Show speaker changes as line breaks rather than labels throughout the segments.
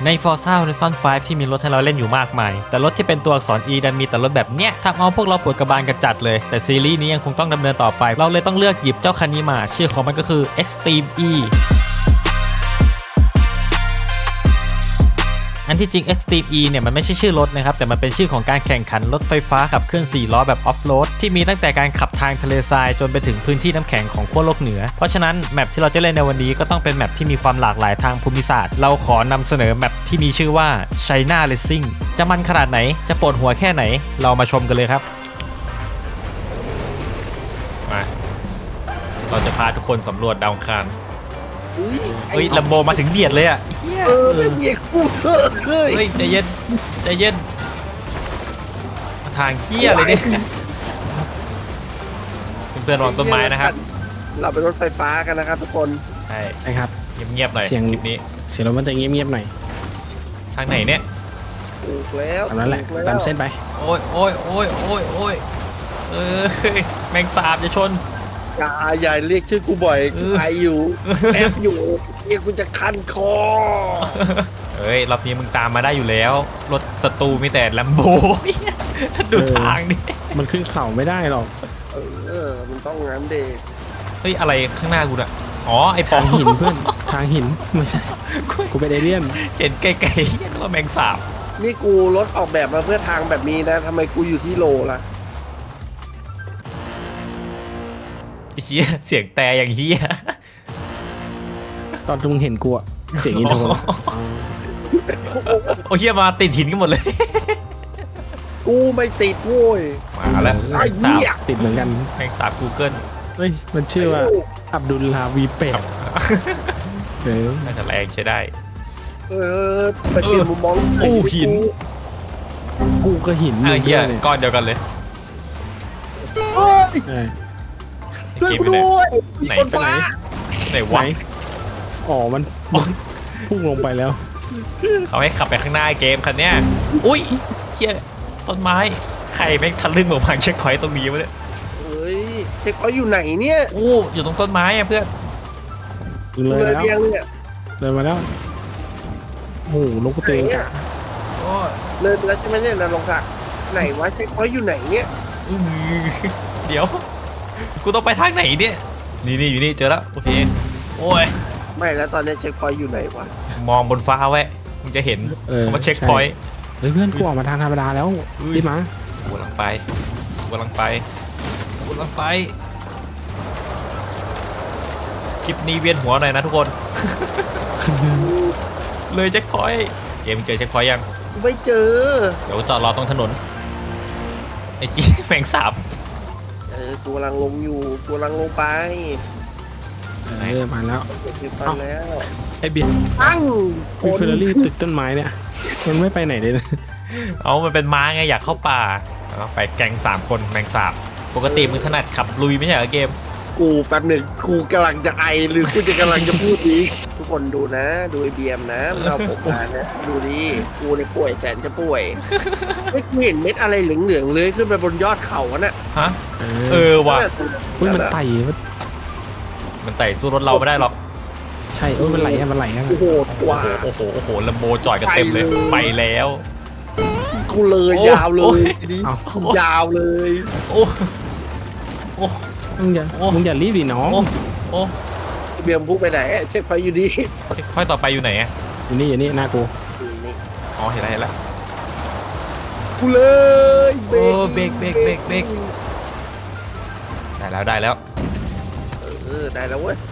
ใน Forza Horizon 5 ที่มีรถให้เราเล่นอยู่มากมายแต่รถที่เป็นตัวอักษร E ดันมีแต่รถแบบเนี้ยทำเอาพวกเราปวดกระบาลกันจัดเลยแต่ซีรีส์นี้ยังคงต้องดำเนินต่อไปเราเลยต้องเลือกหยิบเจ้าคันนี้มาชื่อของมันก็คือ Extreme Eอันที่จริง Extreme E เนี่ยมันไม่ใช่ชื่อรถนะครับแต่มันเป็นชื่อของการแข่งขันรถไฟฟ้าขับเคลื่อน4ล้อแบบออฟโรดที่มีตั้งแต่การขับทางทะเลทรายจนไปถึงพื้นที่น้ำแข็งของขั้วโลกเหนือเพราะฉะนั้นแมปที่เราจะเล่นในวันนี้ก็ต้องเป็นแมปที่มีความหลากหลายทางภูมิศาสตร์เราขอนำเสนอแมปที่มีชื่อว่า China Racing จะมันขนาดไหนจะปวดหัวแค่ไหนเรามาชมกันเลยครับมาเราจะพาทุกคนสำรวจดาวอังคารเฮ้ยลัมโบมาถึงเบียดเลยอ่ะ
ไม่เบียดกูเฮ้ย
ใจเย็นใจเย็นทางเหี้ยเลยเนี่ยเพื่อนๆระวังต้นไม้นะครับ
เราเป็นรถไฟฟ้ากันนะครับทุกคน
ใช่
ใช่ครับ
เงียบๆหน่อยคลิปนี้
เสียงรถมันจะเงียบๆหน่อย
ทางไหนเนี่ย
ถูกแล้ว
ตามนั้นแหละตามเส้นไป
โอ้ยโอ้ยโอ้ยโอ้ยโอ้ยแมงสาบจะชน
อย่าเรียกชื่อกูบ่อยกูไออยู่แอบอยู่เรียกกูจะคันคอ
เฮ้ยรอบนี้มึงตามมาได้อยู่แล้วรถศัตรูมีแต่ลัมโบถ้าดูทางดิ
มันขึ้นเข่าไม่ได้หรอก
มันต้องงั้นเด็ก
เฮ้ยอะไรข้างหน้ากูน่ะอ๋อไอปอง
หินเพื่อนทางหินไม่ใช่กูเป็นเอเลี่ยน
เห็นไกลๆว่าแมงสาบ
นี่กูรถออกแบบมาเพื่อทางแบบนี้นะทำไมกูอยู่ที่โลล่ะ
ไอ้เหี้ยเสียงแต่อย่างเหี้ย
ตอนมึงเห็นกูอะเสียงอินโทร
โอ้เหี้ยมาติดหินกันหมดเลย
กูไม่ติดโว้ย
มาแล้ว
ไอ้เหี้ย
ติดเหมือนกัน
แมงสาบ Google
เฮ้ยมันชื่อว่าอับดุลลาวีเป็ด
น่าจะแรงใช้ได้
ไปเปลี่ยนมุมมอง
อู้หิน
กูก็หิน
เหี้ยก้อนเดียวกันเลย
ด้วยด้วย
ไหน
ฟ้า
ไหนวะ
อ๋อมันพุ่งลงไปแล้ว
เขาให้ขับไปข้างหน้าเกมคันเนี้ยอุ้ยเหี้ยต้นไม้ใครแม่งทะลึ่งมาพังเช็คพอยต์ตรงนี้วะเนี่ย
เฮ้ยเช็คพอยต์อยู่ไหนเนี่ย
โอ้อยู่ตรงต้นไม้อะเพื่อน
เลยแล้วเลยมาแล้วโอ้ลงกระเตง
เลยแล้วใช่ไหมเนี่ยนะลงกะไหนวะเช็คพอยต์อยู่ไหนเนี่ย
เดี๋ยวกูต้องไปทางไหนเนี่ยนี่อยู่นี่เจอแล้วโอเคโอ้ย
ไม่แล้วตอนนี้เช็คพอยต์อยู่ไหนวะ
มองบนฟ้าไว้มึงจะเห็นเขามาเช็คพอยต์
เฮ้ยเพื่อนกูออกมาทางธรรมดาแล้วรีบมา
กูกำลังไปคลิปนี้เวียนหัวหน่อยนะทุกคนเลยเช็คพอยต์เกมเจอเช็คพอยต์ยัง
ไม่เจอ
เดี๋ยวจอดรอตรงถนนไอ้กี้แมงสาบ
กูกำลังลงอยู่กูกำลังลงไป
มาแล้วไอเบียร์
ตั้ง
เฟอร์รารี่ติดต้นไม้เนี่ยมันไม่ไปไหนเลยนะ
มันเป็นม้าไงอยากเข้าป่าไปแก๊ง3 คนแมงสาบปกติมึงถนัดขับลุยไม่ใช่เหรอเกม
กูแป๊บหนึ่งกูกำลังจะไอหรือกูจะกำลังจะพูดดีทุกคนดูนะดูไอเบียมนะเราผมมานะดูดิกูในป่วยแสนจะป่วยไม่เห็นเม็ดอะไรเหลืองๆเลยขึ้นไปบนยอดเขาน่ะ
ฮะว่ะ
มันไต่
สู้รถเราไม่ได้หรอก
ใช่มันไหล
โอ้โหว้า
โอ้โหลัมโบจอดกันเต็มเลยไปแล้ว
กูเลยยาวเลยยาวเลย
โอ้
มึงอย่ารีบดิน้อง
เบียมพุ่งไปไหนเช็คไฟอยู่ดี
ค่อยต่อไปอยู่ไหนอ่ะ
อยู่นี่หน้ากู
เห็นแล้ว
กูเลย
เบรกได้แล้ว
ได้แล้วเว้ย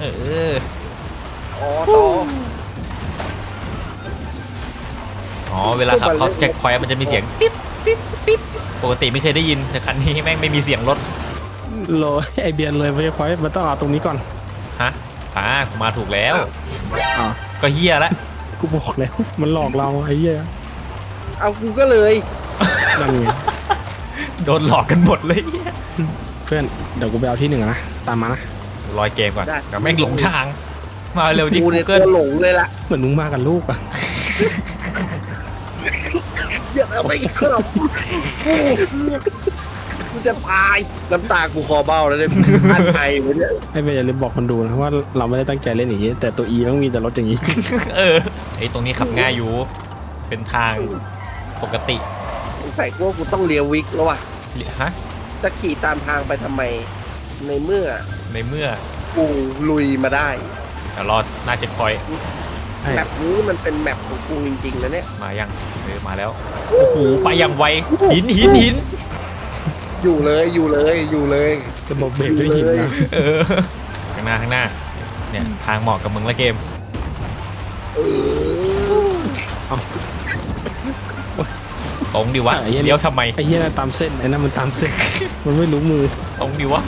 เวลาขับเขาเช็คพอยต์มันจะมีเสียงปิ๊บปกติไม่เคยได้ยินแต่คันนี้แม่งไม่มีเสียงรถ
ไอเบียนเลยไม่พอยมันต้องเอาตรงนี้ก่อน
ฮะกูมาถูกแล้วก็เฮียแล้ว
กูบอกแล้วมันหลอกเราไอ้เหี้ย
เอากูก็เลย
นั่นไง
โดนหลอกกันหมดเลย
เพื่อนเดี๋ยวกูไปเอาที่1นะตามมานะ
รอยเกมก่อนเดี๋ยวแม่งหลงทางมาเร็วดิ
กูเนี่ยตัวหลงเลยล่ะ
เหมือนมึงมากับลูกอะ
อย่าเอาไปครับกูจะตายน้ำตากูคอเบ้าแล้วเนี่ยอันไอวะเนี่ย
ให้ไปอย่าลืมบอกคนดูนะว่าเราไม่ได้ตั้งใจเล่นอย่างนี้ แต่ตัว E ต้องมีแต่รถอย่างนี้
ไอ้ตรงนี้ขับง่ายอยู่เป็นทางปกติ
ใส่กูว่ากูต้องเลียววิกแล้วว่ะ
ฮะ
จะขี่ตามทางไปทำไมในเมื่อ
ในเมื่อ
กูลุยมาได้
แต่รอดน่าจะคอย
ใช่
แมปนี้มันเป็นแมปของกูจริงๆนะเนี่ย
มายังมาแล้วโอ้โหไปอย่างไวหิน
อยู่เลยอยู่เลยอยู่เลย
จะบอกเบรกด้วยหินนะ
ข้างหน้าเนี่ยทางเหมาะกับมึงละเกม
เออ
ตรงดิวะเลี้ยวทำไม
ไอ้เหี้ยนั่นตามเส้นไอ้นั่นมันตามเส้น มันไม่รู้มือ
ตรงดิวะ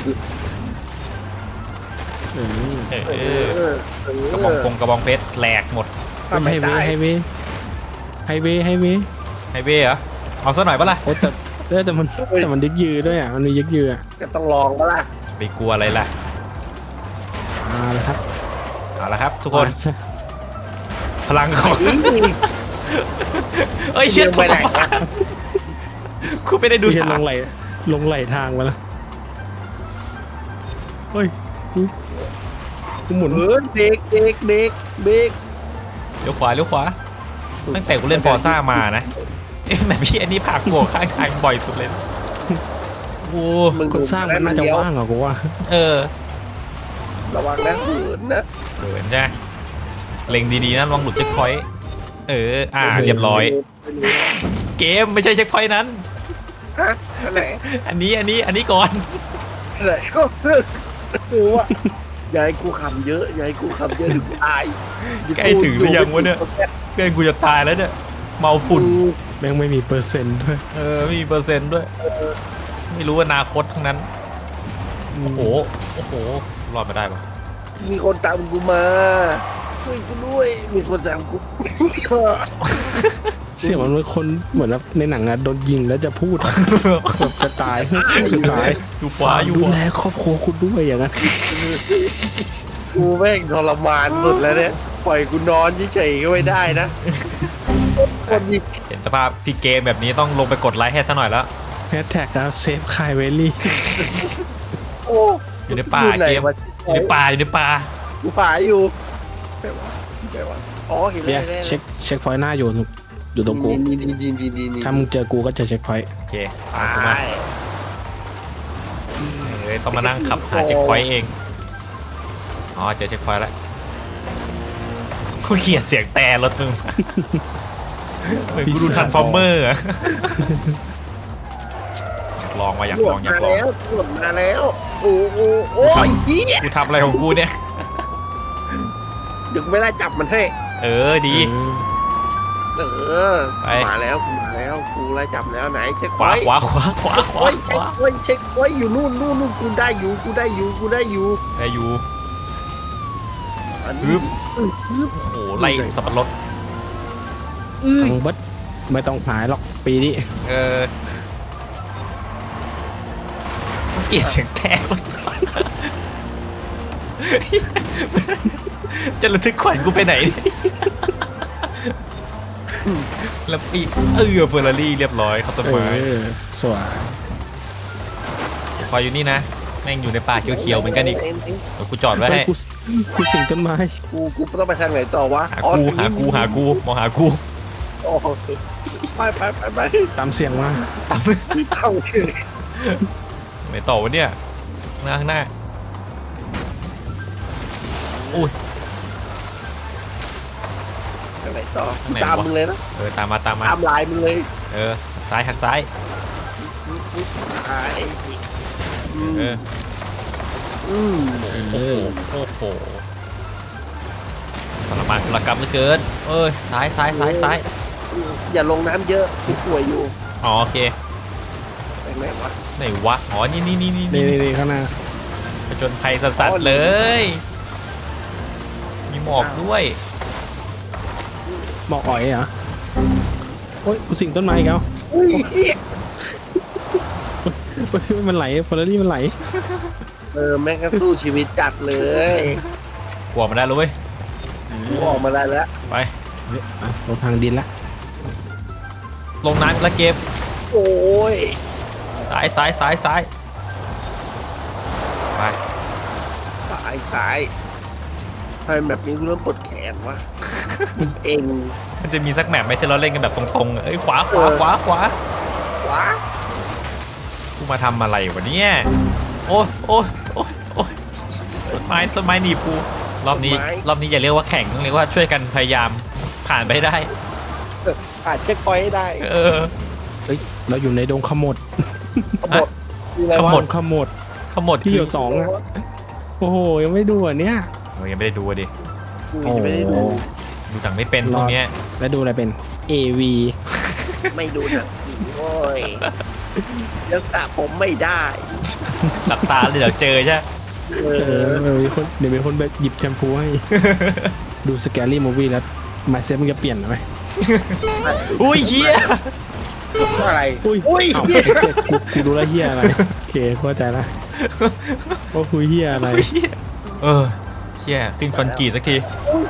เออ
กระบองเพชรแหลกหมด
ทำไม่
ไฮเว
ได้
ย์ไฮเวย์ไฮเวย์ไฮเวย์
ไฮเวย์เหรอเอาซะหน่อยปะล่ะ
โอ้แต่มันยึกยือด้วยอ่ะมันมียึกยืออ่ะ
ก็ต้องลองก็ล่ะ
ไปกลัวอะไรล่ะ
แล้วครับ
เอาละครับทุกคนพลังของ
นี่
เอ้ยเชี่ย
ไปไหนวะ
คุณไม่ได้ดู
ดู
ทาง
ลงไหลทางมาแล้วเฮ้ยกูหมุน
เออเบรกเบรกเบรกเบรก
เลี้ยวขวาตั้งแต่กูเล่นฟอร์ซ่ามานะแบบพี่อันนี้ผลักหัวข้างทางบ่อยสุดเลยโอ้
คนสร้างมันน่าจะว่างเหรอกูว่า
ระวังนะหืนนะ
เขินใช่ไหมเล็งดีๆนะลองหลุดเช็คพอยต์เรียบร้อย เกมไม่ใช่เช็คพอยต์นั้น
ฮะอันไหน
อันนี้ก่อน
อันไหนก็คือว่าอย่าให้กูขำเยอะอย่าให้กูขำเยอะถึงตาย
ใกล้ถึงหรือยังวะเนี่ยเพื่อนกูจะตายแล้วเนี่ยเมาฝุ่น
แม่งไม่มีเปอร์เซ็นต์ด้วย
ไม่มีเปอร์เซ็นต์ด้วยไม่รู้อนาคตทั้งนั้นโอ้โหรอดมาได้ปะ
มีคนตามกูมาช่วยกูด้วยมีคนตามกู
เสียงมันเป็นคนเหมือนแบบในหนังอะโดนยิงแล้วจะพูดอะแบบจะตายจะตาย
อยู่ขวาอยู่
ดู
ขวา
แลครอบครัวคุณด้วยอย่างนั้น
กูแม่งทรมานสุดแล้วเนี่ยปล่อยกูนอนเฉยๆก็ไม่ได้นะคนมี
เห็นสภาพพี่เกมแบบนี้ต้องลงไปกดไลค์ให้ซะหน่อยแล้ว
แฮชแท็กนะเซฟคายเวลี่
โอ้
อยู่ในป่า
ไหน
เกม
วะ
อยู่ในป่า
กูหาอยู่ไปวะไปวะอ๋อเห็น
เนี่
แล้
ยว เช็คพอยต์หน้าอยู่ตรงกู
นี่
ถ้ามึงเจอกูก็จะเช็คพอยต์
โอเค
ตา
เอามาย ต้องมานั่งขับหาเช็คพอยต์เองอ๋อเจอเช็คพอยต์แล้วกูเกลียดเสียงแต่รถมึงเหมือนกูดูทันฟอร์เมอร์อยากลองอยากลอง
มาแล้วตำรวจมาแล้วโอ้โอ้โอ้ยเฮีย
กูทำอะไรของกูเนี่ย
เดี๋ยวกูไม่ไล่จับมันให้
ดี
เออ
ไป
มาแล้วกูไล่จับแล้วไหนเช็ค
ขวา
ไว้
ขวาขวา
เช็คไว้อยู่นู่นกูได้อยู่
ได้อยู่
อัน
ฮึ
นี้
บ โอ้โหไล่สับปะรด
ทางเบิดไม่ต้องหายหรอกปีนี้
เกลียดเสียงแต่รถจะระทึกขวัญกูไปไหนแล้วปีเฟอร์รารี่เรียบร้อยเข้าต้นไม้
สวย
พออยู่นี่นะแม่งอยู่ในป่าเขียวๆเหมือนกันอีกเดี๋ยวกูจอดไว้ให้
กูสิงต้นไม้
กูต้องไปทางไหนต่อวะ
หากูมองหากู
อ๋อไป
ตามเสียงมา
เข้าถึง
ไหนต่อวะเนี่ยข้างหน้าอุ้ย
ทางไหนต่อ
ไหนวะ
ตามมึงเลยนะ
ตามมา
ตามลายมึงเลย
ซ้ายหักซ้าย
ไอ้
โอ้โหทรมานกุลกรรมเหลือเกินซ้าย
อย่าลงน้ำเยอะกูป่วยอยู่
อ๋อโอเค
ไปไหนวะ
ไหนวะอ๋อนี่
นี่ข้างหน้า
ผจญภัยสัสๆเลย มีหมอกด้วย
บอกอ่อยเหรอโอ้ยกูสิงต้นไม้อีกแล้ว
อุ้ย
มันไหลเฟอร์รารี่มันไหล
แม่งก็สู้ชีวิตจัดเลย
กลัวมาได้เลยเว้ย
กูออกมาได้แล้ว
ไป
ลงทางดินละ
ลงน้ำแล้วเก็บ
โอ้ย
ซ้ายซ้ายซ้ายซ้ายไป
ซ้ายทำไมแบบนี้กูเริ่มปวดแขนวะ เอง
มันจะมีสักแมปไหมที่เราเล่นกันแบบตรงๆเอ้ยขวาขวาขวาขวา
ว้า
กูมาทำอะไรวะเนี่ยโอ้ยโอ้ยโอ้ยโอ้ยต้นไม้หนีบกูรอบนี้อย่าเรียกว่าแข่งต้องเรียกว่าช่วยกันพยายามผ่านไปให้ได้
ผ่านเช็คพอยต์ให้ได้
เออ
เฮ้ยเราอยู่ในดงขมด
ขมดมีอะไร
ข
วะ
มด
ขมด
ขมวด
ที่อยู่2อ่ะโอ้โหยังไม่ดูอ่ะเนี่ย
เรายังไม่ได้ดูอะดิ
กูยังไม่ได้ดู
ดูหนังไม่เป็นพวกเนี้ย
แล้วดูอะไรเป็น AV
ไม่ดูหนังผีโว้ยยังตาผมไม่ได้
หลับตาเลยเดี๋ยวเจอใช่ไหม
เอ
เดี๋ยวมีคนแบบหยิบแชมพูให้ ดูสแกรี่มูฟวี่แล้วมาเซ็ตมันจะเปลี่ยนไหม
อุ้ยเฮีย
อะไร
อุ้ย
อุ้ย
เอ้ากูดูแลวเฮียอะไรโอเคเข้าใจละว่าคุยเฮียอะไร
เออเฮียขึ้นคอนกรีตสักที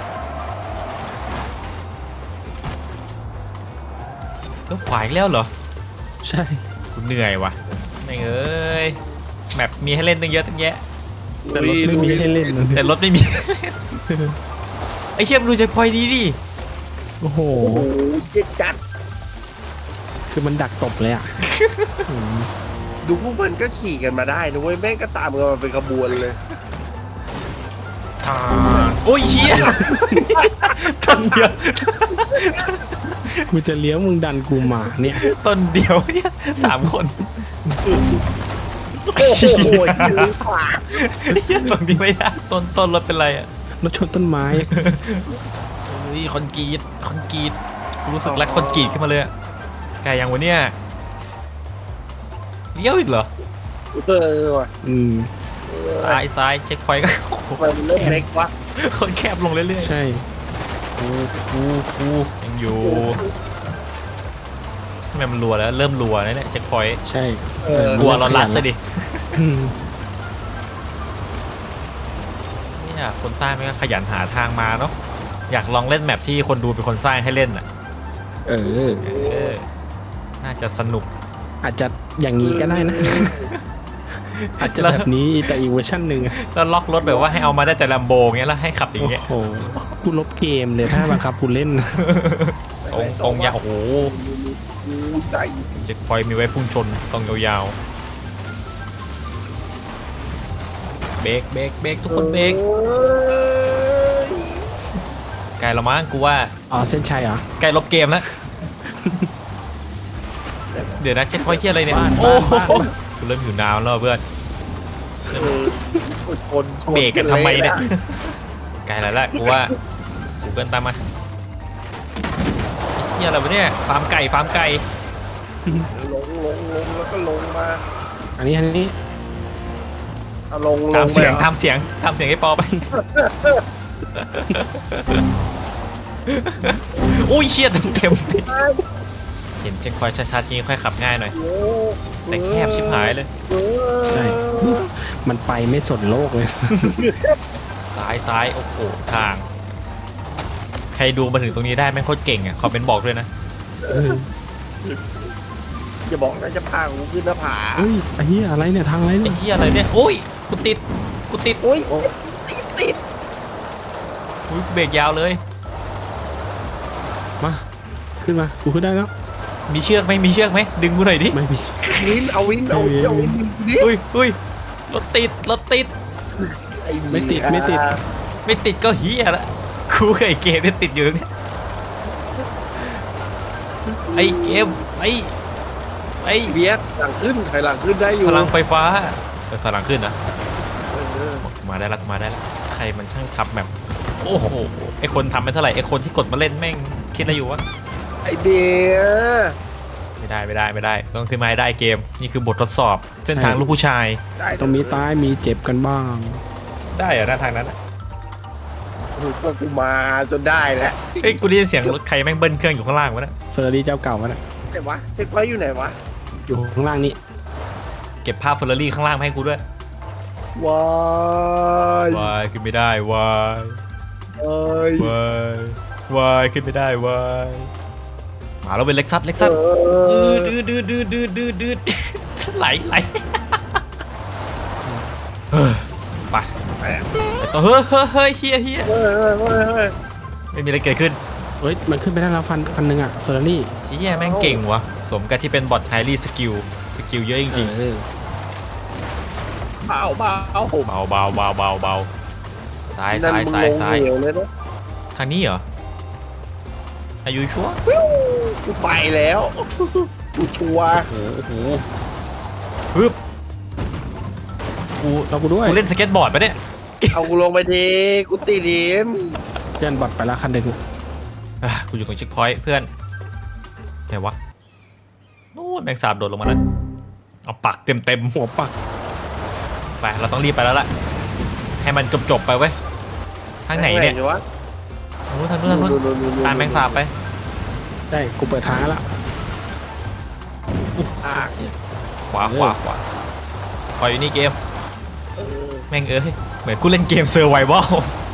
แล้วขวาอีกแล้วเหรอ
ใช่
กูเหนื่อยว่ะไม่เอ้ยแมปมีให้เล่นตั้งเยอะตั้งแยะ
แต่รถไม่มีให้เล่นนะ
แต่รถไม่มี ไอ้เชี่ยมงดูใจพอยดีดิ
โอ้โห
โอ้โหเจ็ดจัด
คือมันดักตบเลยอ่ะอืม
ดูพวกมันก็ขี่กันมาได้นะเว้ยแม่งก็ตามกันมาเป็นขบวนเลย
โอ้ยเฮียต้นเดียว
กูจะเลี้ยวมึงดันกูมาเนี่ย
ต้นเดียวเนี่ย3 คน
โอ้โหยืนขวา
เฮียตรงนี้ไม่ได้ต้นรถเป็นไรอ่ะ
รถชนต้นไม้
เฮ้ยคอนกรีตกูรู้สึกรักคอนกรีตขึ้นมาเลยอะไกลยังวะเนี่ยเลี้ยวอีกเหรอ
เออว่ะ
อืม
ซ้ายเช็คพอยต์ก็
ทำไมมันเริ่มเล็กวะ
คนแคบลงเรื่อยๆ
ใช่
กูยังอยู่ทำไมมันรัวแล้วเริ่มรัวแล้วเนี่ยเช็คพอยต์
ใช่
กลัวเราลัดเลยดิ
อืม
เนี่ยคนใต้ไม่ก็ขยันหาทางมาเนาะอยากลองเล่นแมปที่คนดูเป็นคนสร้างให้เล่นอ่ะ
เออ
น่าจะสนุก
อาจจะอย่างนี้ก็ได้นะ อาจจะแบบนี้แต่อีกเวอร์ชันหนึ่งอะ
แล้วล็อกรถแบบว่าให้เอามาได้แต่ลัมโบเงี้ยแล้วให้ขับอย่าง
โอ้
เงี้ย
โหกูลบเกมเลยถ้าบังคับกูเล่น
ตรงยาวโอ้โห
ใจ
เช็คพอยต์มีไว้พุ่งชนตรงยาวๆเบรกทุกคนเบรกไกลละมั้งกูว่า
อ๋อเส้นชัยเหรอ
ใกล้ลบเกมแล้ว เดี๋ยวนะเช็คพอยต์ที่อะไรเนี่ย
บ้าน
โอ้โห
บ้าน
กูเริ่มอยู่นาวแล้วเพื่อน
คน
เบรกกันทำไมเนี่ยไกลแล้วแหละกูว่ากูเกินตามมาเฮียอะไรวะเนี่ยฟาร์มไก่
ลงแล้วก็ลงมา
อันนี้
เอาลง
ทำเสียง
ไป
ทำเสียงให้ปอไป อุ้ยเชี่ยเต็มเห็นเช็คพอยต์ชัดๆนี้ค่อยขับง่ายหน่อย แต่แคบชิบหายเลย
ใช่ มันไปไม่สนโลกเลย
ซ้ายโอ้โหทาง ใครดูมาถึงตรงนี้ได้แม่งโคตรเก่งอ่ะคอมเมนต์บอกด้วยนะ
อย่าบอกนะจะพากูขึ้นหน้าผา
เฮ้ยไอ้เหี้ยอะไรเนี่ยทางอะไร
ไอ้
เนี่ย
เหี้ยอะไรเนี่ยโอ้ยกูติด
โอ้ยติด
อุ้ยเบรกยาวเลย
มาขึ้นมากูขึ้นได้แล้ว
มีเชือกไหมดึงกูหน่อยดิ
ไม่มี
เอาวินนี่
อุ้ยรถติด
ไม่ติด
ไม่ติดก็เฮียละกูกับไอ้เกมเนี่ยติดอยู่เนี่ยไอ้เกมไอ้
เบียดหลังขึ้นถอยหลังขึ้นได้อยู่
พลังไฟฟ้าถอยหลังขึ้นนะมาได้ละใครมันช่างทับแบบโอ้โหไอคนทำไม่เท่าไหร่ไอคนที่กดมาเล่นแม่งคิดอะไรอยู่วะ
ไอเบียด
ไม่ได้ต้องขึ้นมาให้ได้เกมนี่คือบททดสอบเส้นทางลูกผู้ชาย
ต้องมีตายมีเจ็บกันบ้าง
ได้เหรอหน้าทางนั้นอะ
ก็กูมาจนได้แล้ว
เฮ้ยกูได้ยินเสียงรถใครแม่งเบิ้ลเครื่องอยู่ข้างล่างวะเนี่ย
เฟอร์รารี่เจ้าเก่ามันอะ
ไหนวะเช็คไว้อยู่ไหนวะ
อยู่ข้างล่างนี่
เก็บภาพเฟอร์รารี่ข้างล่างมาให้กูด้วย
ว้ายว
ายขึ้นไม่ได้วาย
เอ้ยว
ายขึ้นไม่ได้วายมาแล้วเป็นเล็กซัส
เออ
ดืดไหลเฮ้ยไปต่อเฮ้ยเฮีย
เฮ้ย
ไม่มีอะไรเกิดขึ้น
เฮ้ยมันขึ้นไปได้แล้วคันหนึงอ่ะเฟอร์รารี่
เชี่ยแม่งเก่งวะสมกับที่เป็นบอทไฮรี่สกิลเยอะจริง
เบาเบาผม
ๆเบาซ้าย
นั่นมึงลงเหวเลยนะ
ทางนี้เหรออายุชัวร์
กูไปแล้วกูชัวร์
โอ้โห
ปึ๊บ
เรากูด้วย
กูเล่นสเก็ตบอร์ดปะเนี่ย
เอากูลงไปดีกูตีดิม
เพื่อนบอดไปแล้วคันหนึ่ง
กูอยู่ตรงเช็คพอยต์เพื่อนไหนวะนู่นแมงสาบโดดลงมาแล้วเอาปักเต็ม
หัวปัก
ไปเราต้องรีบไปแล้วล่ะให้มันจบไปเว้ยทางไหนเนี่ย
วะ
ทางนู้นตามแมงสาบไป
ได้กูเปิดทางแล้ว
อ่ะ
ขวาคอยอยู่นี่เกมแม่งเหมือนกูเล่นเกมเซอร์ไววัล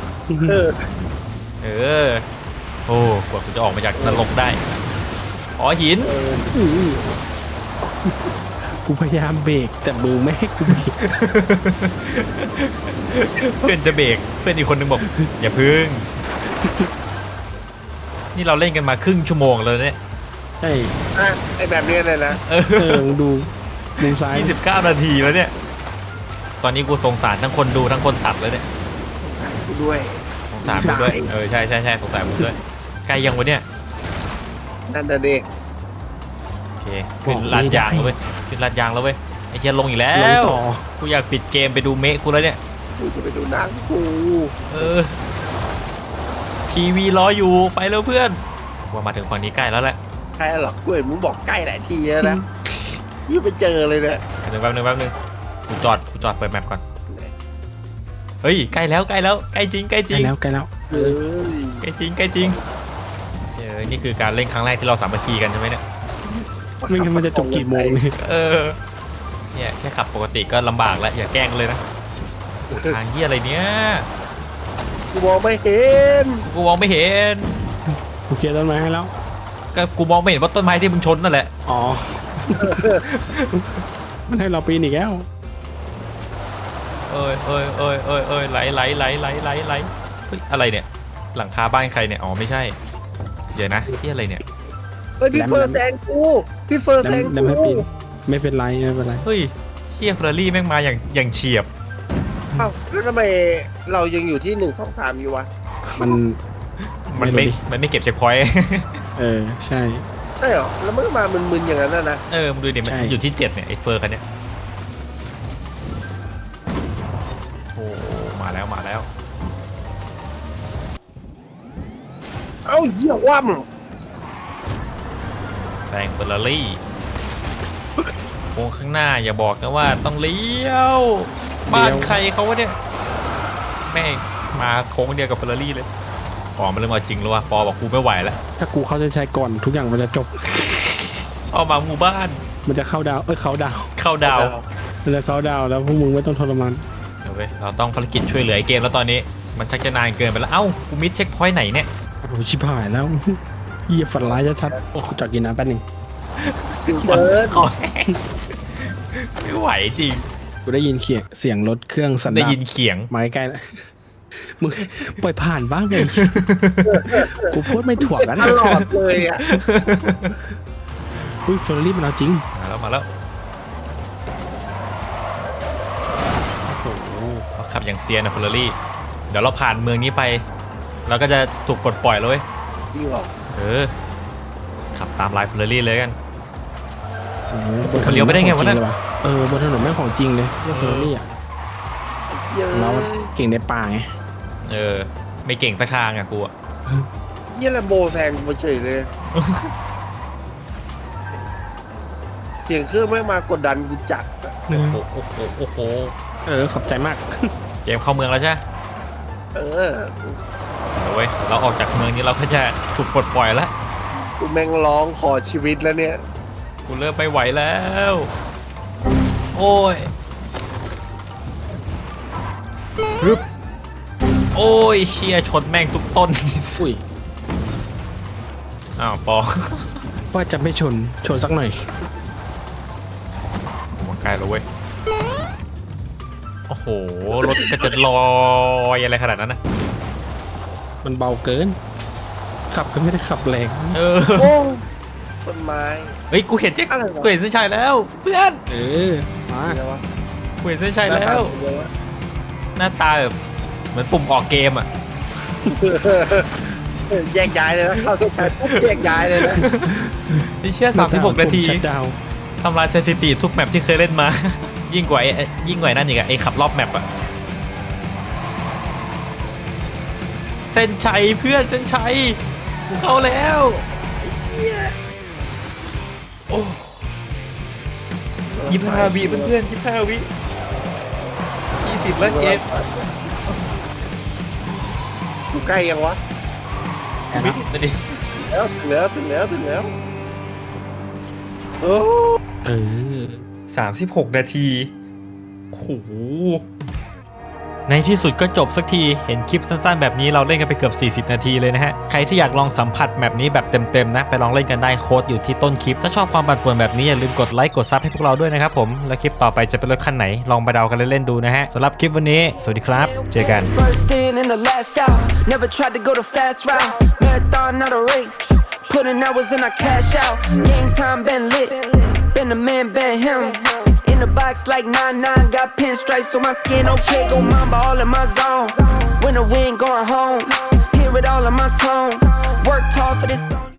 เออ
โอ้กว่ากูจะออกมาจากนรกได้อ๋อหิน
กูพยายามเบรกแต่มือไม่ให้กูเบรก
เพื่อนจะเบรกเพื่อนอีกคนนึงบอกอย่าพึ่งนี่เราเล่นกันมาครึ่งชั่วโมงแล้วเนี่ย
ใช่
อ่ะไอแบบนี้เลยนะ
มึงดูมุมซ้าย
29 นาทีแล้วเนี่ยตอนนี้กูสงสารทั้งคนดูทั้งคนตัดเลยเนี่ย
กูด้วย
สงสารมึงด้วยใช่สงสารมึงด้วยใกล้ยังวะเนี่ย
นั่นน่ะดิ
โอเคขึ้นลาดยางแล้วเว้ยขึ้นลาดยางแล้วเว้ยไอ้เชียลงอีกแล้
ลง
ว
ต่อ
กูอยากปิดเกมไปดูเมะกูแล้วเนี่ย
กูจะไปดูหนังกู
ทีวีรออยู่ไปแล้วเพื่อนว่ามาถึงฝั่งนี้ใกล้แล้วแหละ
ใครหรอกกูเห็นมึงบอกใกล้หลายทีแล้วนะยังไปเจอเลยเนี่ย
แป๊บนึงกูจอดเปิดแมปก่อนเฮ้ยใกล้แล้วใกล้จริง
ใกล้แล้ว
เฮ้ย
ใกล้จริงนี่คือการเล่นครั้งแรกที่เราสามัคคีกันใช่ไหมเนี่ย
ไม่งั้นมันจะจบกี่โมงเนี่ย
เนี่ยแค่ขับปกติก็ลำบากแล้วอย่าแกล้งเลยนะทางเหี้ยอะไรเนี้ย
กูมองไม่เห็น
กูมองไม่เห็น
กูเคลียร์ต้นไม้ให้แล้ว
ก็กูมองไม่เห็นว่าต้นไม้ที่มึงชนนั่นแหละ
อ๋อ มันให้เราปีนอีกแล้ว
เอ้ยไหลเฮ้ยอะไรเนี่ยหลังคาบ้านใครเนี่ยอ๋อไม่ใช่เดี๋ยวนะที่อะไรเนี่ย
เฮ้ยพี่เฟิร์สแซงกูพี่เฟิร์สแซง
ดำให้ปี
กู
นไม่เป็นไร
เฮ้ยเชี่ยเฟอร์รารี่แม่งมาอย่างเฉียบ
เอ้าแล้วทำไมเรายังอยู่ที่1 2 3อยู่วะ
มันไม่เก็บเช็คพอยต์
ใช่
ใช่เหรอแล้วมันก็มามึนๆอย่างนั้นนะ
มึงดูดิมัน
ใช่
อยู่ที่7เนี่ยไอ้เฟอร์คันเนี้ยโอ้มาแล้ว
เอ้าเหี้ยว่
แซงเฟอร์รารี่โค้งข้างหน้าอย่าบอกนะว่าต้องเลี้ยวบ้านใครเขาวะเนี่ยแม่งมาโค้งเดียวกับเฟอร์รารี่เลยปอมันเริ่มเอาจริงแล้วว่ะปอบอกกูไม่ไหวแล้ว
ถ้ากูเข้าใจก่อนทุกอย่างมันจะจบ
เอามาหมู่บ้าน
มันจะเข้าดาวเขาดาว
เข้าดาว
มันจะเข้าดาวแล้วพวกมึงไม่ต้องทรมาน
เดี๋ยวเว้ยเราต้องภารกิจช่วยเหลือไอ้เกมแล้วตอนนี้มันชักจะนานเกินไปแล้วเอ้ากูมิดเช็คพอยต์ไหนเนี่ย
โอ้โหชิบหายแล้ว เหี้ยฝันร้ายชัดๆโอ้จอดกินน้ำแป๊บนึง
ำพี่เฟิร์ส
คอแห้งไม่ไหวจริง
กูได้ยินเสียงรถเครื่องสัน
ได้
ดาป
ยินเขียง
มาใกล้ๆแล้วมึงปล่อยผ่านบ้างเลย กูพูดไม่ถ่วงกัน
ตลอดเลยอ่ะ
อุ้ยเฟอร์รี่มันเอาจริง
มาแล้ว
โอ้โห
เขาขับอย่างเซียนนะเฟอร์รารี่เดี๋ยวเราผ่านเมืองนี้ไปเราก็จะถูกปลดปล่อยแล้วเว้ย
จริงเหรอ
ขับตามลายเฟอร์รารี่เลยกัน
โอ้โห
มันเลี้ยวไปได้ไงวะเนี่ย
บนถนนแม่งของจริงเลยเรื่องเฟอร์รี่อ่ะ
เยอะ
เราเก่งในป่าไง
ไม่เก่งสักทางอ่ะกูอะ
เยี่ยแลมโบแซงกูเฉยเลย เสียงเครื่องแม่งมากดดันกูจัดอะ
โอ้โห
ขอบใจมาก
เกมเข้าเมืองแล้วใช่ไหม
เออ
เว้ยเราออกจากเมืองนี้เราก็จะถูกปลดปล่อยแล้ว
กูแม่งร้องขอชีวิตแล้วเนี่ย
กูเริ่มไม่ไหวแล้วโอ้ยฮึบโอ้ยเชี่ยชนแม่งทุกต้น
อุ้ย
อ้าวปอ
ว่าจะไม่ชนสักหน่อย
ล้แล้วเว้ยโอ้โหรถก็จะลอยอะไรขนาดนั้นนะ
มันเบาเกิน ขับก็ไม่ได้ขับแรง
โอ้ต้นไม้
เฮ้ยกูเห็นกูเห็นเส้นชัยแล้วเพื่อน
มา
เดี๋ยววะ
กูเห็นเส้นชัยแล้ว หน้าตาแบบเหมือนปุ่มออกเกมอ่ะ
แยกย้ายเลยนะเข้าเส้นชัยปุ๊บแยกย้ายเลยนะ
ไอ้เชี่ย36 นาที
ชัดดาว
ทำลายสถิติทุกแมปที่เคยเล่นมา ยิ่งกว่านั่นอีกอะไอ้ขับรอบแมปอะเส้นชัยเพื่อนเส้นชัยกูเข้าแล้วโอ้25 วิเพื่อน25 วิ20แล้วเกม
กูใกล้ยังวะ
วินาที
แล้วถึงแล้วโอ้
36 นาทีโอ้โหในที่สุดก็จบสักทีเห็นคลิปสั้นๆแบบนี้เราเล่นกันไปเกือบ40 นาทีเลยนะฮะใครที่อยากลองสัมผัสแบบนี้แบบเต็มๆนะไปลองเล่นกันได้โค้ดอยู่ที่ต้นคลิปถ้าชอบความปั่นป่วนแบบนี้อย่าลืมกดไลค์กดซับให้พวกเราด้วยนะครับผมแล้วคลิปต่อไปจะเป็นรถคันไหนลองไปเดากันเล่นๆดูนะฮะสำหรับคลิปวันนี้สวัสดีครับเจอกัน
First in and the last out. Never tried to go the fast route. Marathon, not a race. Putting hours in, I cash out. Game time been lit. Been the man, been him. In the box like 9-9. Got pinstripes on my skin. Okay, go mamba all in my zone. When the wind going home. Hear it all in my tone. Worked hard for this.